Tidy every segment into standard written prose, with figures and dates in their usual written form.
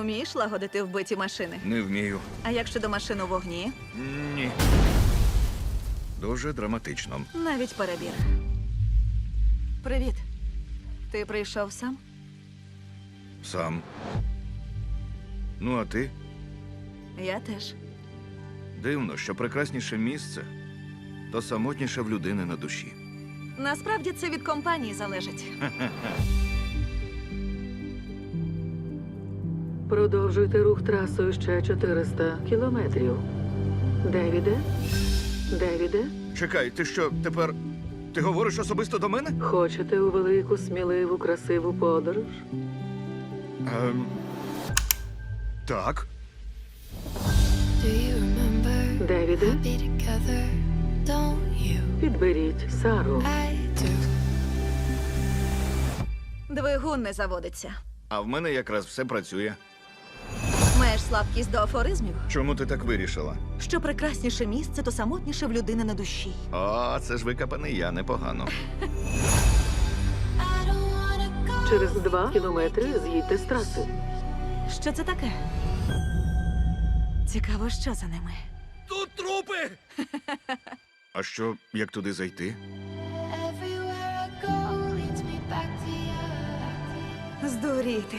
Умієш лагодити вбиті машини? Не вмію. А як щодо машин у вогні? Ні. Дуже драматично. Навіть перебір. Привіт. Ти прийшов сам? Сам. Ну, а ти? Я теж. Дивно, що прекрасніше місце, то самотніше в людини на душі. Насправді це від компанії залежить. Продовжуйте рух трасою ще 400 кілометрів. Девіде? Девіде? Чекай, ти що, тепер... Ти говориш особисто до мене? Хочете у велику, сміливу, красиву подорож? Так. Do you remember Девіде? be together? Don't you? Підберіть Сару. I do. Двигун не заводиться. А в мене якраз все працює. Маєш слабкість до афоризмів? Чому ти так вирішила? Що прекрасніше місце, то самотніше в людини на душі. О, це ж викопаний я, непогано. I don't wanna go. Через 2 кілометри з'їдьте з траси. Що це таке? Цікаво, що за ними. Тут трупи! А що, як туди зайти? Everywhere I go leads me back to you. Здуріти.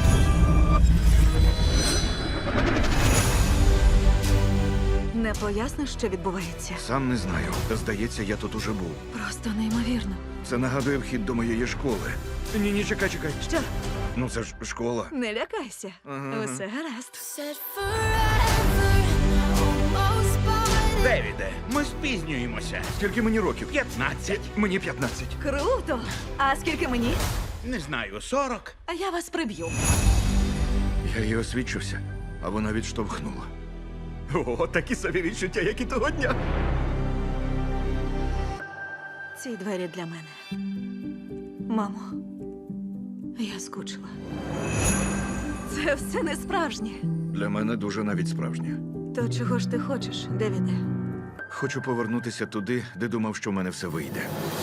Не поясниш, що відбувається? Сам не знаю. Здається, я тут уже був. Просто неймовірно. Це нагадує вхід до моєї школи. Ні, чекай. Що? Ну це ж школа. Не лякайся. Ага. Усе гаразд. Said forever, almost but Девіде, ми спізнюємося. Скільки мені років? 15. Мені 15. Круто! А скільки мені? Не знаю, 40. А я вас приб'ю. Я її освідчився, а вона відштовхнула. О, такі собі відчуття, як і того дня. Ці двері для мене. Мамо, я скучила. Це все не справжнє. Для мене дуже навіть справжнє. То чого ж ти хочеш, Девіде? Хочу повернутися туди, де думав, що в мене все вийде.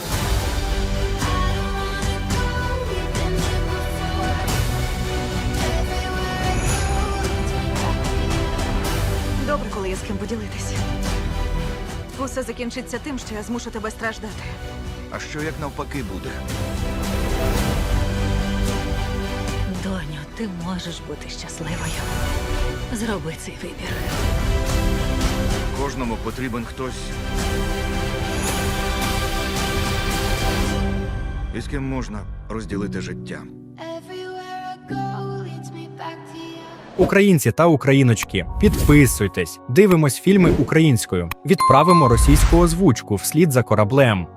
we've been here before. Everywhere I go leads me back. Добре, коли є з ким поділитись. Усе закінчиться тим, що я змушу тебе страждати. А що як навпаки буде? Доню, ти можеш бути щасливою. Зроби цей вибір. Кожному потрібен хтось, із ким можна розділити життя. Everywhere I go leads me back to you. Українці та україночки, підписуйтесь, дивимось фільми українською, відправимо російську озвучку вслід за кораблем.